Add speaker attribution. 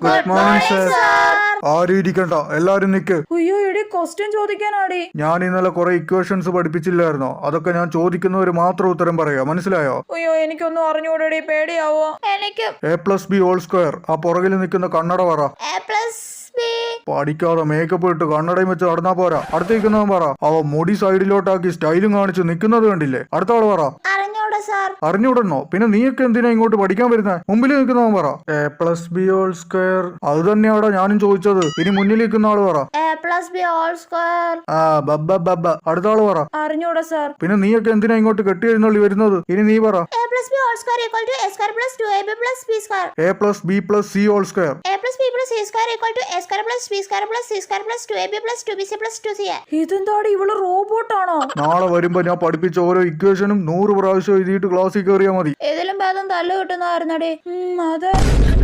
Speaker 1: Good morning sir.
Speaker 2: ആരും ഇരിക്കണ്ട, എല്ലാരും നിക്ക്.
Speaker 1: അയ്യോ എടി ക്വസ്റ്റ്യൻ ചോദിക്കാനാടി.
Speaker 2: ഞാൻ ഇന്നലെ കുറെ ഇക്വേഷൻസ് പഠിപ്പിച്ചില്ലായിരുന്നോ? അതൊക്കെ ഞാൻ ചോദിക്കുന്നവര് മാത്രം ഉത്തരം പറയാ, മനസ്സിലായോ?
Speaker 1: അയ്യോ എനിക്കൊന്നും അറിഞ്ഞൂടടി, പേടിയാവോ?
Speaker 3: എനിക്ക്
Speaker 2: A+B² ആ പുറകിൽ നിൽക്കുന്ന കണ്ണട പറ.
Speaker 3: A+B.
Speaker 2: പഠിക്കാതെ മേക്കപ്പ് ഇട്ട് കണ്ണടയും വെച്ച് നടന്നാ പോരാ. അടുത്തേക്കുന്നവൻ പറ. അവ മുടി സൈഡിലോട്ടാക്കി സ്റ്റൈലും കാണിച്ച് നിൽക്കുന്നത് കണ്ടില്ലേ? അടുത്ത ആള് പറ.
Speaker 3: അറിഞ്ഞൂടാ സാർ.
Speaker 2: അറിഞ്ഞൂടണോ? പിന്നെ നീയൊക്കെ എന്തിനാ ഇങ്ങോട്ട് പഠിക്കാൻ വരുന്നത്? മുമ്പിൽ നിൽക്കുന്നവൻ പറ. A+B² അത് തന്നെയാടാ ഞാനും ചോദിച്ചത്. ഇനി മുന്നിൽ നിൽക്കുന്ന ആള് പറ.
Speaker 3: A+B².
Speaker 2: ആ ബബ്ബ. അടുത്ത ആള് പറ.
Speaker 1: അറിഞ്ഞൂടാ സാർ.
Speaker 2: പിന്നെ നീയൊക്കെ എന്തിനാ ഇങ്ങോട്ട് കെട്ടി എഴുന്നള്ളി വരുന്നത്? ഇനി നീ പറ.
Speaker 3: A+B² equal to A² plus 2AB plus B².
Speaker 2: A+B+C².
Speaker 3: A+B plus C² equal to A² plus B² plus C² plus 2AB plus 2BC plus 2CA.
Speaker 1: ഇതെന്താടി ഇവള് റോബോട്ടാണോ?
Speaker 2: നാളെ വരുമ്പോ ഞാൻ പഠിപ്പിച്ച ഓരോ ഇക്വേഷനും 100 പ്രാവശ്യം എഴുതിയിട്ട് ക്ലാസ്സിൽ കയറിയാൽ മതി.
Speaker 1: ഇതിലും ഭേദം തല്ല് കിട്ടുന്നതായിരുന്നടി. അതെ.